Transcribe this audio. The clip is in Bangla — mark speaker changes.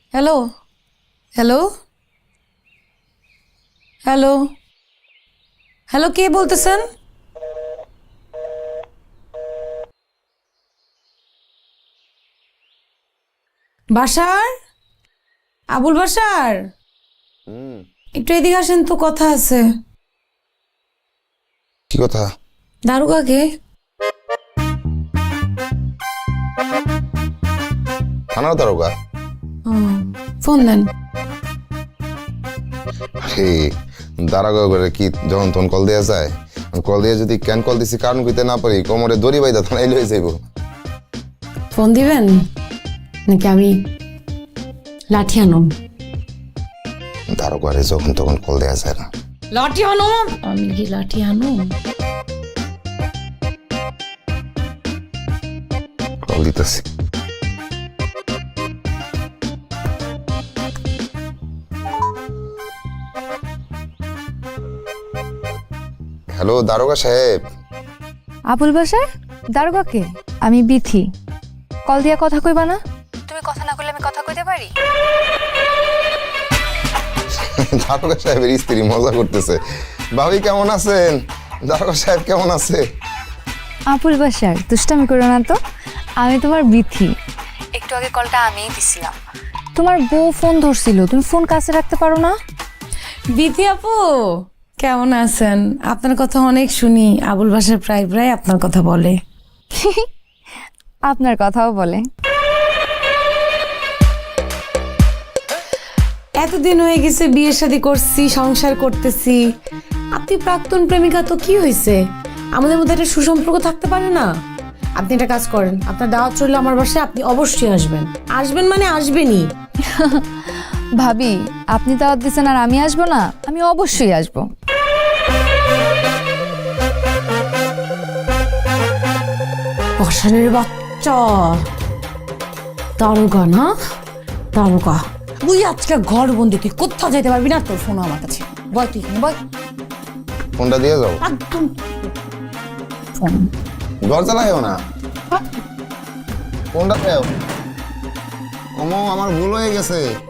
Speaker 1: হ্যালো হ্যালো হ্যালো হ্যালো, কে বলতেছেন? বাসার, আবুল বাসার, একটু এদিকে আসেন তো, কথা আছে।
Speaker 2: কি কথা?
Speaker 1: দারোগাকে।
Speaker 2: থানার দারোগা?
Speaker 1: ফোন দেন।
Speaker 2: আরে দারোগা করে কি যখন তখন কল দেওয়া যায়? কল দিয়ে যদি কেন কল দিছি কারণ কইতে না পারি, কোমরে দড়ি বাইদা থানায় লয়ে যাইব।
Speaker 1: ফোন দিবেন নাকি আমি লাঠি আনুম?
Speaker 2: দারোগারে যখন তখন কল দেওয়া যায় না।
Speaker 1: লাঠি আনুম? আমি কি লাঠি আনুম?
Speaker 2: কল দিতেছি। হ্যালো দারোগা সাহেব।
Speaker 3: আবুল বাসার দারোগাকে? আমি বিথি। কল দিয়া কথা কইবা না? তুমি কথা না কইলে আমি কথা কইতে পারি?
Speaker 2: দারোগা সাহেবের স্ত্রী মজা করতেছে। ভাবি কেমন আছেন? দারোগা সাহেব কেমন আছে?
Speaker 3: আবুল বাসার দুষ্টামি করো না তো। আমি তোমার বিথি। একটু আগে কলটা আমিই দিছিলাম। তোমার বউ ফোন ধরছিল, তুমি ফোন কাছে রাখতে পারো না?
Speaker 1: বিথি আপু, কেমন আছেন? আপনার কথা অনেক শুনি, আবুল বাসার প্রায় প্রায় আপনার কথা বলে।
Speaker 3: আপনার কথাও বলে।
Speaker 1: এতদিন হয়ে গেছে, বিয়ে শাদী করছি, সংসার করতেছি। আপনি প্রাক্তন প্রেমিকা, তো কি হয়েছে? আমাদের মধ্যে একটা সুসম্পর্ক থাকতে পারে না? আপনি একটা কাজ করেন, আপনার দাওয়াত চললে আমার বাসায় আপনি অবশ্যই আসবেন। আসবেন মানে আসবেনই।
Speaker 3: ভাবি, আপনি দাওয়াত দিচ্ছেন আর আমি আসবো না? আমি অবশ্যই আসবো।
Speaker 1: বসানের বাচ্চা, দারোগা না? দারোগা তুই আজকে ঘর বন্দি, তুই কোথাও যেতে পারবি না। তোর ফোন আমার কাছে, বল তুই এখানে বল।
Speaker 2: ফোনটা দিয়ে যাও।
Speaker 1: একদম ফোন
Speaker 2: দরজা লাগাও না, ফোনটা দাও। আমার ভুল হয়ে গেছে।